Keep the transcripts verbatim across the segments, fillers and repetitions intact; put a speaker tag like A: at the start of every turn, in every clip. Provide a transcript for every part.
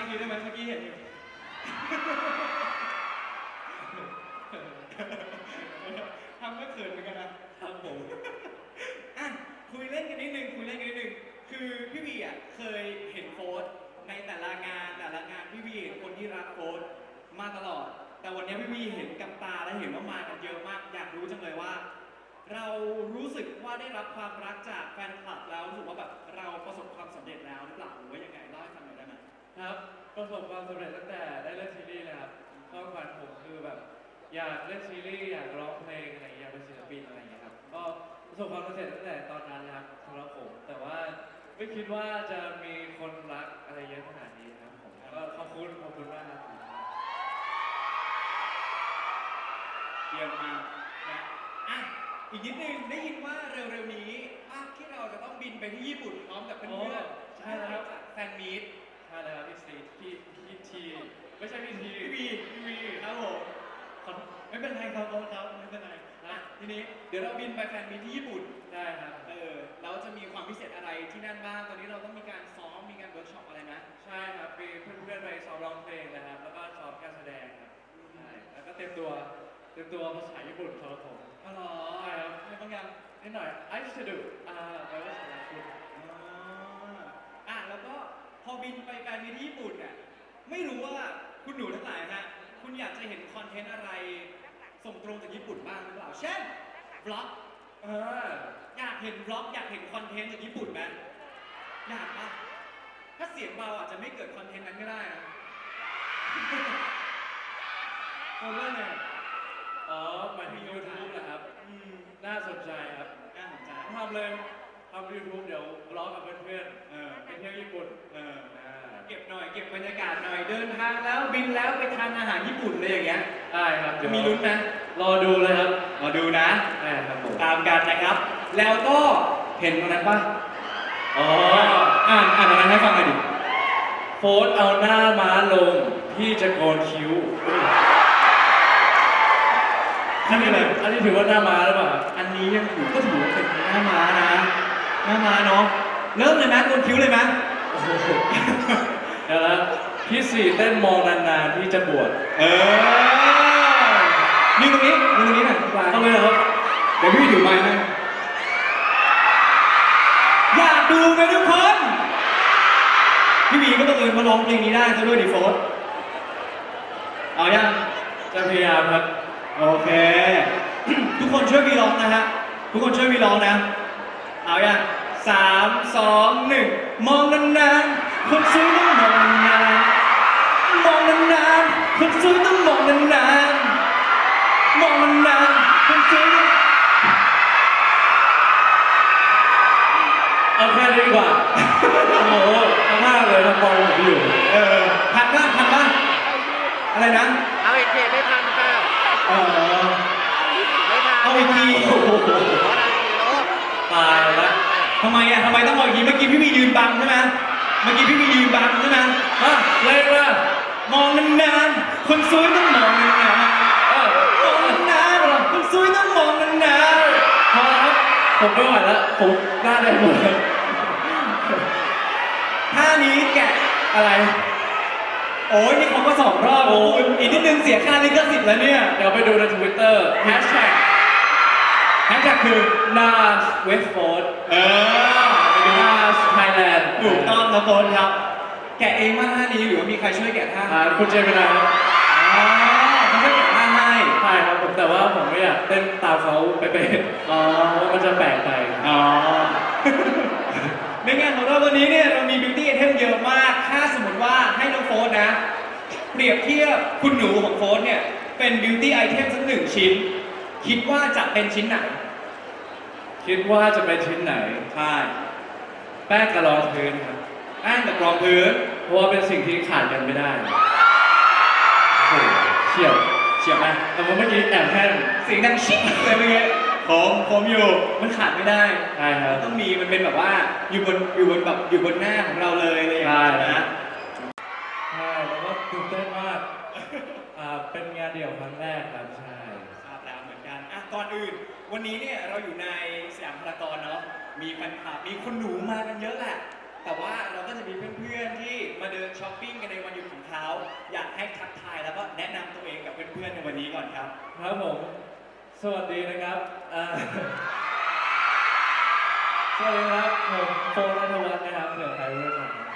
A: ทีได้ไหมเมื่อกี้เห็นอยู่ทำก็เขินเหมือนกันนะครับผมอ่ะคุยเล่นกันนิดนึงคุยเล่นกันนิดนึงคือพี่วีอ่ะเคยเห็นโค้ดในแต่ละงานแต่ละงานพี่วีเห็นคนที่รักโค้ดมาตลอดแต่วันนี้พี่วีเห็นกับตาและเห็นว่ามากันเยอะมากอยากรู้จังเลยว่าเรารู้สึกว่าได้รับความรักจากแฟนคลับแล้วรู้สึกว่าแบบเราประสบความสำเร็จแล้วหรือเปล่าหรือว่ายังไงเล่าให้ฟังหน่อยได้ไหม
B: ครับประสบความสำเร็จตั้งแต่ได้เล่นซีรีส์เลยครับความฝันผมคือแบบอยากเล่นซีรีส์อยากร้องเพลงอะไรอย่างเงี้ยอยากเป็นศิลปินอะไรอย่างเงี้ยครับก็ประสบความสำเร็จตั้งแต่ตอนนั้นนะครับสำหรับผมแต่ว่าไม่คิดว่าจะมีคนรักอะไรเยอะขนาดนี้ครับผมก็ขอบคุณขอบคุณมากครับ
A: เยี่ยมมากนะอ่ะอีกนิดนึงได้ยินว่าเร็วๆนี้ภาคที่เราจะต้องบินไปที่ญี่ปุ่นพร้อมกับเพื่อนๆใช่แล้วครับแฟนมีต
B: ใช่แล้วครับพี่ซีพี่พี่ทีไม่ใช่พี่ที
A: พี่วีพี่วีครับผมไม่เป็นไรครับครับไม่เป็นไรนะทีนี้เดี๋ยวเราบินไปแฟนมีตที่ญี่ปุ่น
B: ได้ครับ
A: เออเราจะมีความพิเศษอะไรที่นั่นบ้างตอนนี้เราต้องมีการซ้อมมีการเวิร์กช็อปอะไรนะ
B: ใช่ครับมีเพื่อนๆไปซ้อมร้องเพลงนะครับแล้วก็ซ้อมการแสดงครับใช่แล้วก็เต็มตัวเต็มตัวภาษาญี่ปุ่นสำหรับผม
A: อ๋อเหรอ
B: ใช่ครับ
A: ไม่ต้องยัง
B: นิดหน่อย I used to do อ่าแปลว่าสำหรับคุณ
A: อ่ะแล้วก็พอบินไปแฟนมีตที่ญี่ปุ่นเนี่ยไม่รู้ว่าคุณหนูทั้งหลายฮะคุณอยากจะเห็นคอนเทนต์อะไรส่งตรงจากญี่ปุ่นบ้างหรือเปล่าเช่นบล็อก
B: เออ
A: อยากเห็นบล็อกอยากเห็นคอนเทนต์จากญี่ปุ่นไหมอยากปะถ้าเสียงเบาอาจจะไม่เกิดคอนเทนต์นั้นก็ได้นะคนว่าไง
B: อ๋อหมายถึง YouTube นะครับ
A: อืม
B: น่าสนใจครับ
A: น่าสนใจ
B: ทำเลยทำ YouTube เดี๋ยวร้องกับเพื่อน
A: ๆเออ
B: ไปเที่ยวญี่ปุ่น
A: เออเก็บหน่อยเก็บบรรยากาศหน่อยเดินทางแล้วบินแล้วไปทานอาหารญี่ปุ่นเลยอย่างเงี้ย
B: ได้ครับ
A: จะมีลุ้นนะ
B: รอดูเลยครับ
A: รอดูนะ
B: ได้ครับผม
A: ตามกันนะครับแล้วก็เห็นตรงนั้นป่ะ
B: อ๋อ
A: อ่านอ่านตรงนั้นให้ฟังหน่อยดิ
B: โฟนเอาหน้าม้าลงพี่จะโกนคิ้วอันนี้เลยอันนี้ถือว่าหน้าม้าหรือเปล่า
A: อันนี้ยังถือก็ถือว่าเป็นหน้าม้านะหน้าม้าเนาะเริ่มเลยไหมโกนคิ้วเลยไหม
B: เดี๋ยวนะพี่สี่เต้นมองนานๆพี่จะบวช
A: เออนี่ตรงนี้นี่ตรงนี้หน่อย
B: ทำไมครับ
A: เดี๋ยวพี่ถือไม้ให้อยากดูไหมทุกคนพี่บีก็บังเอิญมาร้องเพลงนี้ได้ซะด้วยดิโฟสเอายัง
B: จะพยายามครับ
A: โอเคทุกคนช่วยวีร้องนะฮะทุกคนช่วยวีร้องนะเอายังสามสองหนึ่งมองนานๆคนสวยต้องมองนานๆมองนานๆคนสวยต้องมองนานๆมองนานๆคนสวยต้อง
B: เอาแค่นี้ดีกว่าโอ้โหเอามากเลยทำบอลผมอยู่
A: เออทันบ้างทันบ้างอะไรนะ
C: เอาอีกทีไม่ทันค่ะ
A: เออ
C: ไม่ทัน
A: เอาอีกทีโอ้โห
B: ตายแล้ว
A: ทำไมอ่ะทำไมต้องเอาอีกทีเมื่อกี้พี่มียืนบังใช่ไหมเมื่อกี้พี่มียืนบังใช่ไหม
B: ฮะเล่นว่ะ
A: มองนานๆคนสวยต้องมองนานๆเออมองนานๆคนสวยต้องมองนาน
B: ๆพอครับผมไม่ไหวแล้วผมหน้าแดงหมดเลย
A: ท่านี้แกะอะไรโอ้ยนี่เขาก็สองรอบคุณอีกนิดนึงเสียค่าลิขสิทธิ์แล้วเนี่ย
B: เดี๋ยวไปดูใน Twitter แฮชแท็ก
A: แฮชแท็กคือ
B: Nas Westford
A: เออ
B: Nas Thailand
A: ถูกต้องนะโฟนครับแกะเองว่าท่านี้หรือว่ามีใครช่วยแกะท่า
B: คุณเจมินาครับ
A: อ๋อเขาช่วยแกะท่าให้
B: ใช่ครับผมแต่ว่าผมไม่อยากเต้นตามเขาไปเป็นอ๋อมันจะแปลกไป
A: อ๋อในงานของเราวันนี้เนี่ยเรามี beauty item เยอะมากถ้าสมมติว่าให้น้องโฟนนะเปรียบเทียบคุณหนูของโฟนเนี่ยเป็น beauty item สักหนึ่งชิ้นคิดว่าจะเป็นชิ้นไหน
B: คิดว่าจะเป็นชิ้นไหน
A: ใช่
B: แป้งกระรองพื้นครับ
A: แป้งกับรองพื้น
B: เพราะว่าเป็นสิ่งที่ขาดกันไม่ได้โอ้โหเฉียบ
A: เฉียบไหม
B: แต่ว่าเมื่อกี้แอบแห้ง
A: เสียงดังชิ๊กเลยเมื่อกี้ผมผมอยู่มันขาดไม่ได้
B: ใช่ครับ
A: ต้องมีมันเป็นแบบว่าอยู่บนอยู่บนแบบอยู่บนหน้าของเราเลยอะไรอย่างเงี้ยนะ
B: ใช่แล้วก็ตื่นเต้นมากอ่าเป็นงานเดี่ยวครั้งแรกครับใช่
A: ทราบแล้วเหมือนกันอ่ะก่อนอื่นวันนี้เนี่ยเราอยู่ในสยามพารากอนเนาะมีแฟนคลับมีคนหนูมากันเยอะแหละแต่ว่าเราก็จะมีเพื่อนๆที่มาเดินช้อปปิ้งกันในวันหยุดของเขาอยากให้ทักทายแล้วก็แนะนำตัวเองกับเพื่อนๆในวันนี้ก่อนครับ
B: ครับผม สวัสดีนะครับอ่า สวัสดีครับ ผมโฟนนัทวัฒน์นะครับเผื่อใครไม่รู้จักนะครับ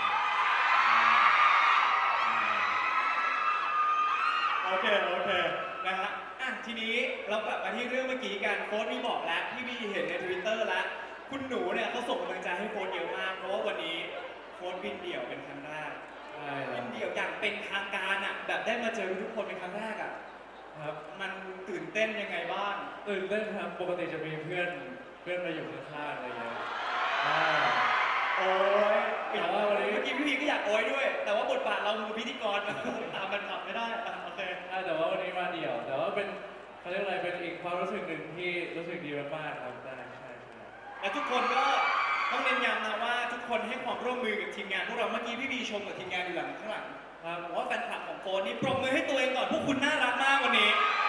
A: โอเค โอเค นะฮะ อ่ะ ทีนี้เรากลับมาที่เรื่องเมื่อกี้กันโค้ดมีบอกแล้วพี่บีเห็นในทวิตเตอร์แล้ว คุณหนูเนี่ยเขาส่งกำลังใจให้โค้ดเยอะมาก เพราะว่าวันนี้โค้ดบินเดี่ยวเป็นครั้งแรก
B: ใช่ค
A: บิ
B: รับ
A: นเดี่ยวอย่างเป็นทางการอ่ะ แบบได้มาเจอทุกคนเป็นครั้งแรกอ่ะ
B: ครับ
A: มันตื่นเต้นยังไงบ้าง
B: ตื่นเต้นครับ ปกติจะมีเพื่อน เพื่อนมาอยู่ข้างๆอะไรอย่างเงี้ยอ่า
A: โอ้ย
B: แต่ว่าวันนี้
A: เมื่อกี้พี่บีก็อยากโอยด้วย แต่ว่าบทบาทเราคือพิธีกร ตามมันขับไม่ได้อ่ะโอเค
B: ใช่แต่ว่าวันนี้มาเดี่ยว แต่ว่าเป็นเขาเรียกอะไรเป็นอีกความรู้สึกหนึ่งที่รู้สึกดีมากๆครับได้ใช่ใช่
A: และทุกคนก็ต้องเน้นย้ำนะว่าทุกคนให้ความร่วมมือกับทีมงานพวกเราเมื่อกี้พี่บีชมกับทีมงานอยู่หลังข้างหลัง
B: ครับ
A: บอกว่าแฟนคลับของโฟนนี่ปรบมือให้ตัวเองก่อนพวกคุณน่ารักมากวันนี้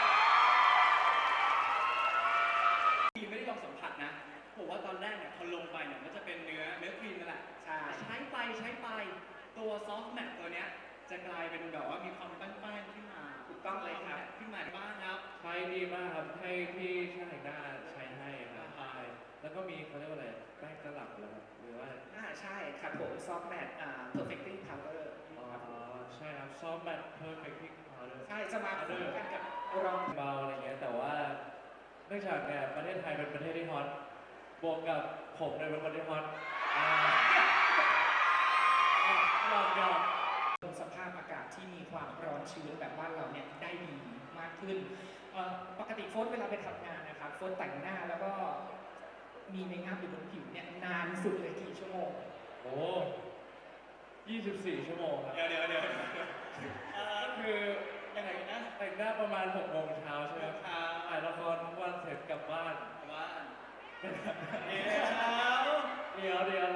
A: พี่ไม่ได้ลองสัมผัสนะผมว่าตอนแรกเนี่ยพอลงไปเนี่ยมันจะเป็นเนื้อเนื้อครีมนั่นแหละใช่ใช้ไปใช้ไปตัวซอฟต์แมทตัวเนี้ยจะกลายเป็นแบบว่ามีความป้านๆขึ้นมาถูกต้องเลยครับขึ้นมาบ้างครับ
B: ใช้ดีมากครับ ให้พี่ช่างแต่งหน้าใช้ให้ครับใช่แล้วก็มีเขาเรียกว่าอะไรแป้งตลับเหรอครับหรือว่า
D: อ่าใช่ครับผมซอฟต์แมทอ่า perfecting powder
B: อ๋อใช่ครับซอฟต์แมทเพอร์เฟคติ้งพาวเดอร์
D: ใช่จะมาคู่กันกับรอง
B: เบาอะไรเงี้ยแต่ว่าเนื่องจากเนี่ยประเทศไทยเป็นประเทศที่ฮอตบวกกับผมเนี่ยเป็นคนที่ฮอตอ่าอ่ะลองยอม
D: สภาพอากาศที่มีความร้อนชื้นแบบบ้านเราเนี่ยได้ดีมากขึ้นเอ่อปกติโฟนเวลาไปทำงานนะครับโฟนแต่งหน้าแล้วก็มีเมคอัพอยู่บนผิวเนี่ยนานสุดเลยกี่ชั่วโมง
B: โอ้ยี่สิบสี่ชั่วโมงครับ
A: เดี๋ยวเดี๋ยวเดี๋ยวเอ่อ
B: ก็คือ
A: ยังไงนะ
B: แต่งหน้าประมาณหกโมงเช้าใช่ไหม
A: ครั
B: ถ่ายละครทุกวันเสร็จกลับบ้าน
A: ว่า
B: เดี๋
A: เดี๋ยว
B: ยวเดี๋ยว